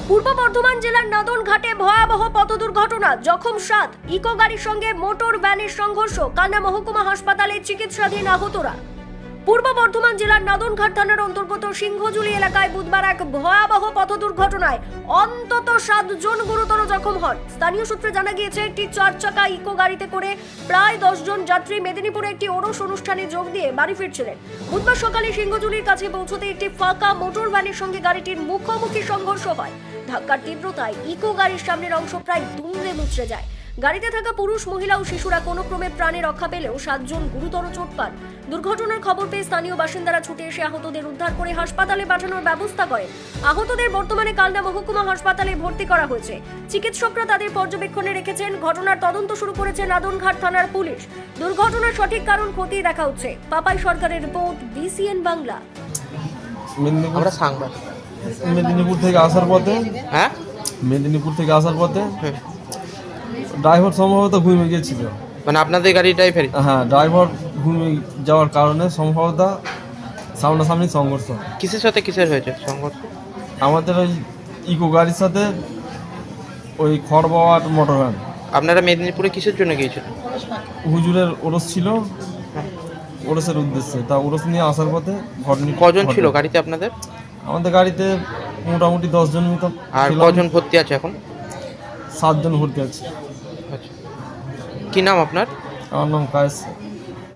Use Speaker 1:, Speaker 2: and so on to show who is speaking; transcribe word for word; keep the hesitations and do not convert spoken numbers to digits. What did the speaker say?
Speaker 1: পূর্ব বর্ধমান জেলার নাদনঘাটে ভয়াবহ পথ দুর্ঘটনা, জখম সাত, ইকো গাড়ির সঙ্গে মোটর ভ্যানের সংঘর্ষ, কান্না মহকুমা হাসপাতালে চিকিৎসাধীন আহতরা। পূর্ব বর্ধমান জেলার নাদনঘাট থানার অন্তর্গত সিংহজুলি এলাকায় বুধবার এক ভয়াবহ পথ দুর্ঘটনায় অন্তত সাতজন গুরুতর জখম হন। স্থানীয় সূত্রে জানা গিয়েছে, একটি চার চাকা ইকো গাড়িতে করে প্রায় দশ জন যাত্রী মেদিনীপুরে একটি ওরস অনুষ্ঠানে যোগ দিয়ে বাড়ি ফিরছিলেন। বুধবার সকালে সিংহজুলির কাছে পৌঁছতে একটি ফাঁকা মোটর ভ্যানের সঙ্গে গাড়িটির মুখোমুখি সংঘর্ষ হয়। ধাক্কার তীব্রতায় ইকো গাড়ির সামনের অংশ প্রায় দুমড়ে মুচড়ে যায়। গাড়িতে থাকা পুরুষ, মহিলা ও শিশুরা কোনো ক্রমে প্রাণে রক্ষা পেলেও সাতজন গুরুতর চোট পান। দুর্ঘটনার খবর পেয়ে স্থানীয় বাসিন্দারা ছুটে এসে আহতদের উদ্ধার করে হাসপাতালে পাঠানোর ব্যবস্থা করেন। আহতদের বর্তমানে কালনা মহকুমা হাসপাতালে ভর্তি করা হয়েছে। চিকিৎসকরা তাদের পর্যবেক্ষণে রেখেছেন। ঘটনার তদন্ত শুরু করেছে নাদনঘাট থানার পুলিশ। দুর্ঘটনার সঠিক কারণ খতিয়ে দেখা হচ্ছে। পাপাই সরকারের রিপোর্ট, বিসিএন বাংলা।
Speaker 2: আমরা সাংবাদিক।
Speaker 3: মেদিনীপুর থেকে আসার পথে
Speaker 2: হ্যাঁ
Speaker 3: মেদিনীপুর থেকে আসার পথে ড্রাইভার সম্ভবত ঘুমিয়ে গিয়েছিল।
Speaker 2: মানে আপনাদের গাড়ি ড্রাইভার?
Speaker 3: হ্যাঁ, ড্রাইভার ঘুমিয়ে যাওয়ার কারণে সম্ভবত সামনাসামনি সংঘর্ষ।
Speaker 2: কিসের সাথে কিসের হয়েছে সংঘর্ষ?
Speaker 3: আমাদের ওই ইকো গাড়ির সাথে ওই খড় বাওয়ার মোটর ভ্যান।
Speaker 2: আপনারা মেদিনীপুরে কিসের জন্য গিয়েছিলেন?
Speaker 3: হুজুরের ওরস ছিল, ওরসের উদ্দেশ্যে। তা ওরস নিয়ে আসার পথে ঘটনা।
Speaker 2: কজন ছিল গাড়িতে আপনাদের?
Speaker 3: আমাদের গাড়িতে মোটামুটি দশ জন মতো।
Speaker 2: আর কজন ভর্তি আছে এখন?
Speaker 3: সাতজন ভর্তি আছে।
Speaker 2: আচ্ছা, কি নাম আপনার?
Speaker 3: আমার নাম কায়েস।